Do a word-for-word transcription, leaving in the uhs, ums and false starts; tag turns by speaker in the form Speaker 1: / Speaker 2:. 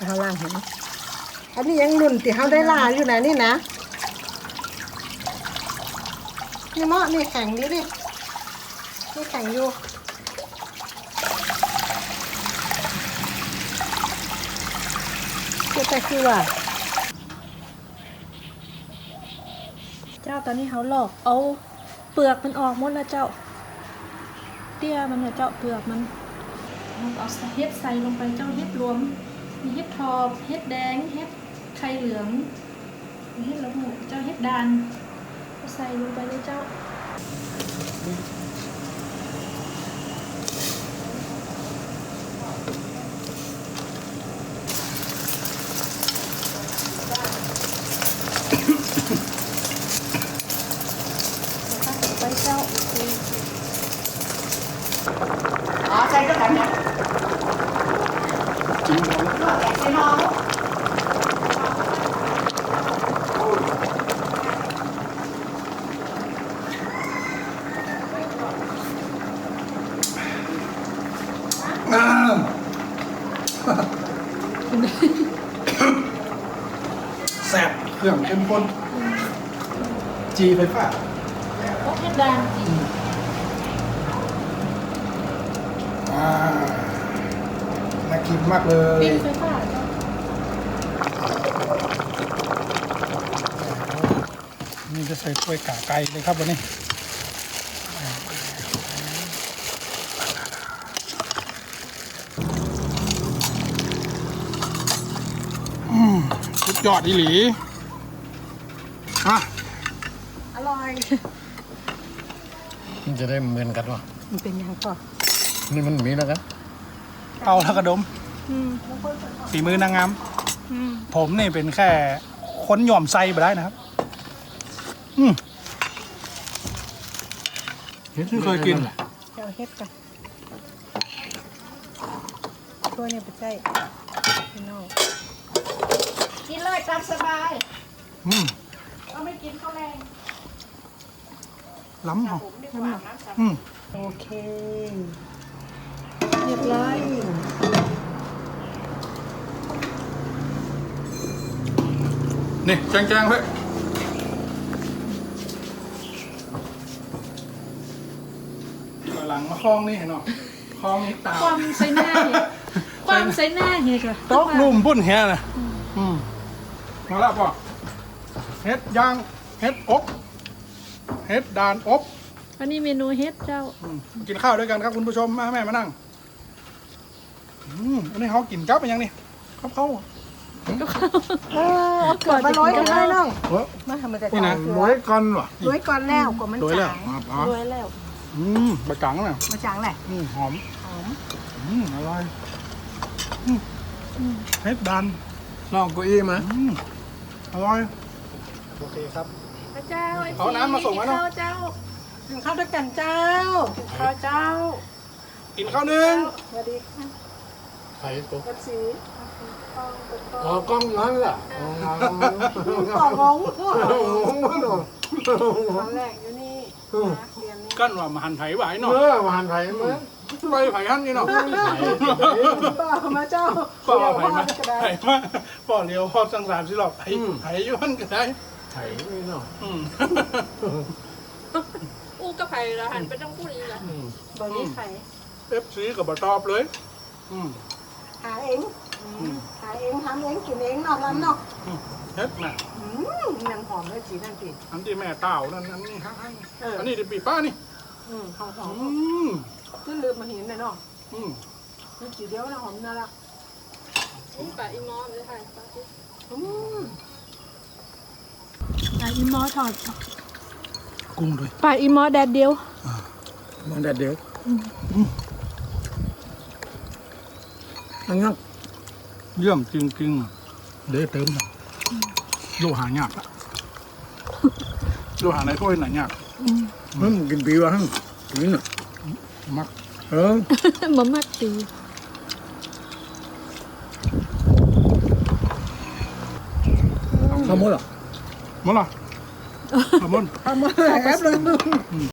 Speaker 1: เขาล่างเห็นอันนี้ยังรุ่นที่เขาได้ล่าอยู่นะนี่นะนี่เมาะนี่แข็งดิดินี่แข็งอยู่เจ้าแต่คือว่าเจ้าตอนนี้เขาหลอกเอาเปลือกมันออกหมดแล้วเจ้าเตี้ยมันเนี่ยเจ้าเปลือกมันเอาเห็ดใส่ลงไปเจ้าเห็ดรวมมีเห็ดทอบเห็ดแดงเห็ดไข่เหลืองมีเห็ดละหูเจ้าเห็ดดานใส่ลงไปเลยเจ้าไปเจ้าอ๋อใส่ก็ได้เนี่ยจริงเหรอแกะใส่น้อง
Speaker 2: แซ่บเครื่องเข้มข้นจีไฟฟ้า
Speaker 1: พวกเห็ดดานจี
Speaker 2: อ่าน่ากินมากเลย
Speaker 1: ปิ้งไฟฟ้า
Speaker 2: นี่จะใส่ถ้วยกาไก่เลยครับวันนี้สุดยอดอีหลีอ่ะ
Speaker 1: อร่อย
Speaker 3: มันจะได้เหมือนกันวะ
Speaker 1: มันเป็นยังก่อน
Speaker 3: นี่มันมีแล้วกัน
Speaker 2: เอาแล้วกระดมฝีมือนางงามผมนี่เป็นแค่ค้นหย่อมไส้ไปได้นะครับอืมเห็ดเคยกิน
Speaker 1: เจ้าเฮ็ดกันตัวเนี่ยไปใส่พี่น้องกินเลยตามสบาย
Speaker 2: อืม
Speaker 1: เราไม่กินข้าวแรง
Speaker 2: ล้ำเหรอ
Speaker 1: ล้ำเหรอ
Speaker 2: อืม
Speaker 1: โอเคเรียบร้อย
Speaker 2: นี่แจงๆเฮ้ยหลังมาคลองนี่เห็นหรอคลองนี่ตา
Speaker 1: ความใส่หน้าเห็ดความใส่หน้าเห็ดอะ
Speaker 2: โต๊ะลุ่มพุ่นเฮียนะอืมมาแล้วป่ะเฮ็ดย่างเฮ็ดอบเฮ็ดดานอบ
Speaker 1: อันนี้เมนูเฮ็ดเจ้า
Speaker 2: กินข้าวด้วยกันครับคุณผู้ชมมาแม่มานั่งอืมอันนี้เขากินกับเป็นยังนี่ครับเขา
Speaker 1: โอ้เกิดมาร้อยกันได้น้องมาทำมาแต่
Speaker 2: นี่นะร้อยกันวะ
Speaker 1: ร้อยก่อนแล้วกว่ามันจางร้อยแล้ว
Speaker 2: อืมบะจังน่ะ
Speaker 1: บะจังแหละ
Speaker 2: อืมหอม
Speaker 1: หอม
Speaker 2: อืมอร่อยเฮ็ดดัน
Speaker 3: ลองกุ้ยมา
Speaker 2: อร่อยโอเคครับ
Speaker 1: พระเจ้า
Speaker 2: เอาน้ำมาส่งมาเนาะ
Speaker 1: เจ้ากินข้าวด้วยกันเจ้าข้าวเจ้า
Speaker 2: กินข้าวหนึ่ง
Speaker 1: สวัสดีค่ะ
Speaker 3: ไข่ตุ๊ก
Speaker 1: สี
Speaker 3: อ๋อกล้องนั้นแหละ
Speaker 1: ต่อร้องตอนแรกอยู่นี่
Speaker 2: กั้นว่ามาหันไผ่ไหวเนาะ
Speaker 3: เออมาหันไผ่ไหม
Speaker 2: ไปไผ่หันนี่เนาะ
Speaker 1: ป้ามาเจ้า
Speaker 2: ป้าไผ่มาไผ่มาป้าเลี้ยวพอสังสารสิหรอกไผ่ไผ่ย้อนก็ได้
Speaker 3: ไผ่ไม่เนาะ
Speaker 4: อู้กับไผ่ละหันไปต้องพูดอีกละ
Speaker 1: ตอนนี้ไผ่
Speaker 2: เอฟซีกับบะตอบเลย
Speaker 1: หาเองหาเองทำเองกินเองเนาะร้านเนาะ
Speaker 2: เฮ็ดน่ะ
Speaker 1: ยังหอมเลยจีนั่นปี
Speaker 2: อันที่แม่เต่านั่นอันนี้ฮะอันนี้ที่ปีป้านี่
Speaker 1: อืมหอมหอมก็ลืมมาเห็นเลยเนาะอืมนี่จีเดียวนะหอมน่ารัก
Speaker 4: อู้ปลาอีมอเลยค่ะปลาอี
Speaker 1: อืมปลาอีมอทอด
Speaker 2: กุ้งด้วย
Speaker 1: ปลาอีมอแดดเดียว
Speaker 3: มันแดดเดียวอันนั้น
Speaker 2: เยี่ยมจริงๆเดี๋ยวเติมนะโลหะยากอะโลหะในถ้วยไหนยาก
Speaker 3: มันกินปีวะฮะกินอ่ะ
Speaker 2: มัก
Speaker 3: เออ
Speaker 1: มันมักตี
Speaker 3: ขโมยหรอ
Speaker 2: หมดละขโมย
Speaker 1: ขโมยแอบเลย